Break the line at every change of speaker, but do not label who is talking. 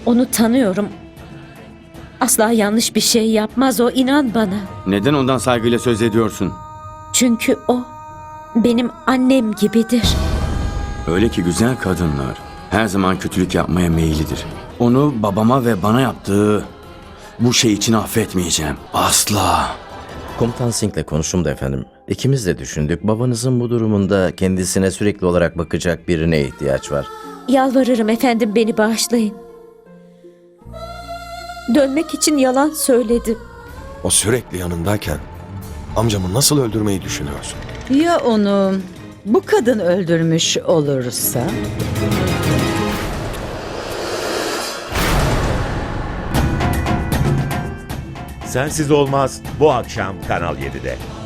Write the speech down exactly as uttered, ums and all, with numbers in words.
Onu tanıyorum. Asla yanlış bir şey yapmaz o, inan bana.
Neden ondan saygıyla söz ediyorsun?
Çünkü o benim annem gibidir.
Öyle ki güzel kadınlar her zaman kötülük yapmaya meyillidir. Onu babama ve bana yaptığı bu şey için affetmeyeceğim. Asla.
Komutan Singh'le konuştum da efendim. İkimiz de düşündük. Babanızın bu durumunda kendisine sürekli olarak bakacak birine ihtiyaç var.
Yalvarırım efendim, beni bağışlayın. Dönmek için yalan söyledim.
O sürekli yanındayken amcamı nasıl öldürmeyi düşünüyorsun?
Ya onu bu kadın öldürmüş olursa?
Sensiz Olmaz bu akşam Kanal yedide.